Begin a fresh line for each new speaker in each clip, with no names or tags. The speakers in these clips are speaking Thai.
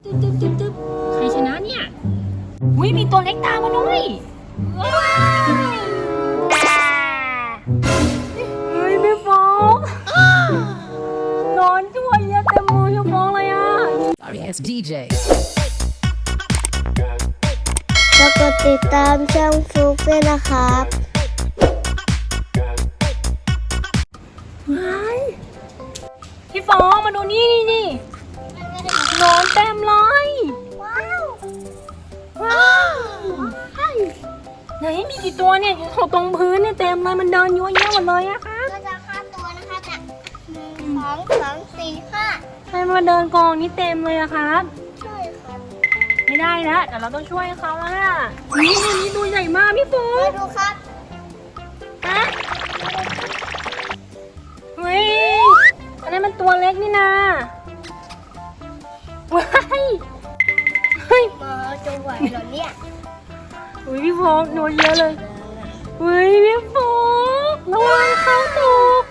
ตึ๊บใครชนะเนี่ยอุ้ยมีตัวเล็กตามมาด้วยเฮ้ยพี่ฟองนอนช่วยเยอะเต็มมือพี่ฟองเลยอ่ะ
Sorry, it's DJ.
แล้วก็ติดตามช่องฟลุกด้วยนะครับ
พี่ฟองมาดูนี่นอนเต็มเลยว้าวไหนมีกี่ตัวเนี่ยอยู่ตรงพื้นเนี่ยเต็มเลยมันเดินยั่วเยี่ยหมดเลยอะค่ะ
ก็จะฆ่าตัวนะคะเนี่ย1 2 3 4 5
ใครมาเดินกองนี้เต็มเลยอะครับ
ช่วยครับ
ไม่ได้แล้วเดี๋ยวเราต้องช่วยเขาแล้วล่ะนี่ตัวใหญ่มากพี่ฟอ
มาง ดูครับ
ฮะเฮ้ยอันนั้นมันตัวเล็กนี่นาว้ายเฮ้ย
มาจะไหวเหรอเนี่ย
อุ้ยพี่ฟองโดนเยอะเลยเฮ้ยพี่ฟองระวังเขาตก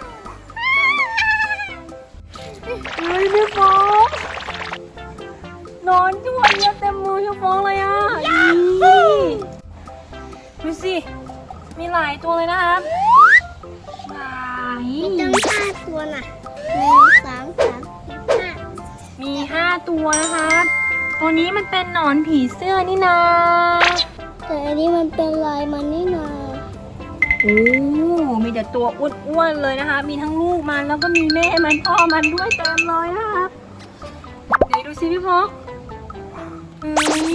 เฮ้ยพี่ฟองนอนช่วยเยอะเต็มมือพี่ฟองเลยอ่ะนี่ดูสิมีหลายตัวเลยนะครับหลาย
มีตั้ง5 ตัวน่ะ1 2 3 4 5
มี5 ตัวนะครับตัวนี้มันเป็นหนอนผีเสื้อนี่นา
แต่อันนี้มันเป็นลายมันนี่นา
โอ้มีแต่ตัวอ้วนๆเลยนะคะ มีทั้งลูกมันแล้วก็มีแม่มันพ่อมันด้วยเต็มเลยนะครับไหนดูสิพี่พกเฮ้ย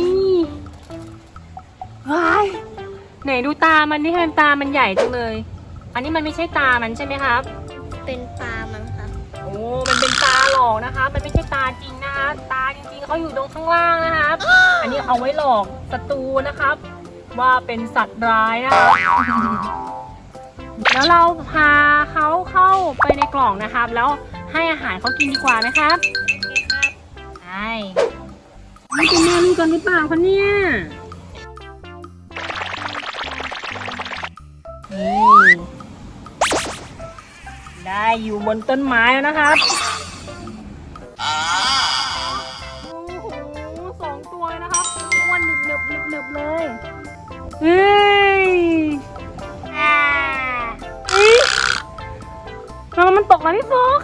ว้ายไหนดูตามันนี่ตามันใหญ่จังเลย อันนี้มันไม่ใช่ตามันใช่ไหมครับ
เป็นปลามันครับ
โอ้มันเป็นตาหลอกนะคะ มันไม่ใช่ตาจริงนะคะ ตาจริงๆเขาอยู่ตรงข้างล่างนะครับ อันนี้เอาไว้หลอกศัตรูนะครับ ว่าเป็นสัตว์ร้ายนะคะ แล้วเราพาเขาเข้าไปในกล่องนะครับ แล้วให้อาหารเขากินดีกว่านะครับใช่นี่เป็นแม่ลูกกันหรือเปล่าคะเนี่ยนี่ได้อยู่บนต้นไม้แล้วนะครับโอ้โห2 ตัวเลยนะครับอ้วนหนึบเลยเฮ้ยแล้วมันตกมาพี่โฟก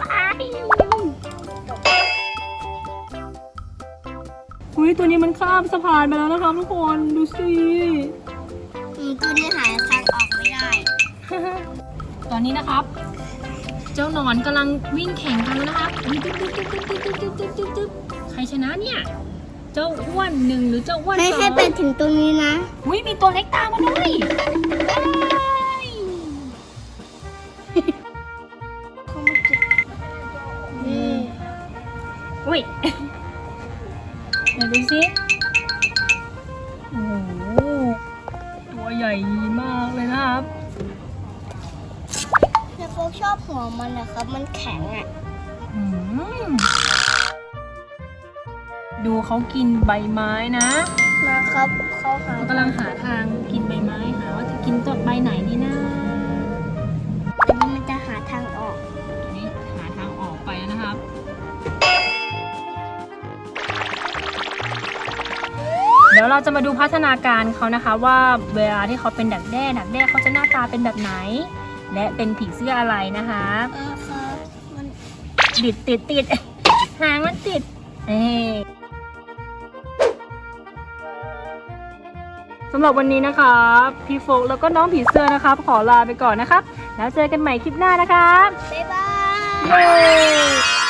อุ้ยตัวนี้มันข้ามสะพานไปแล้วนะครับทุกคนดูสิ
ตัวนี้หายทางออกไม่ได้
ตอนนี้นะครับ เจ้าหนอนกำลังวิ่งแข่งกันแล้วนะครับตึ๊บใครชนะเนี่ย เจ้าอ้วน1หรือเจ้าอ้วน2
ไม่ให้ไปถึงตรงนี้นะ
อุ้ยมีตัวเล็กตามมาด้วยอุ้ยเดี๋ยวดูสิโอ้โหตัวใหญ่มากเลยนะครับ
แต่โฟกชอบหัวมันนะครับ มันแข็งอ่ะ
อืมดูเขากินใบไม้นะ
นะครับเขาหา
เขากำลังหาทางกินใบไม้หาว่าจะกินต้นใบไหนดีนะ
อันนี้มันจะหาทางออก
ตัวนี้หาทางออกไปแล้วนะครับ เดี๋ยวเราจะมาดูพัฒนาการเขานะคะว่าเวลาที่เขาเป็นดักแด้เขาจะหน้าตาเป็นแบบไหน และเป็นผีเสื้ออะไรนะคะ
ครับมัน
ติดหางมันติดสำหรับวันนี้นะครับพี่โฟกแล้วก็น้องผีเสื้อนะครับขอลาไปก่อนนะครับแล้วเจอกันใหม่คลิปหน้านะครับ
บ๊ายบาย
เย้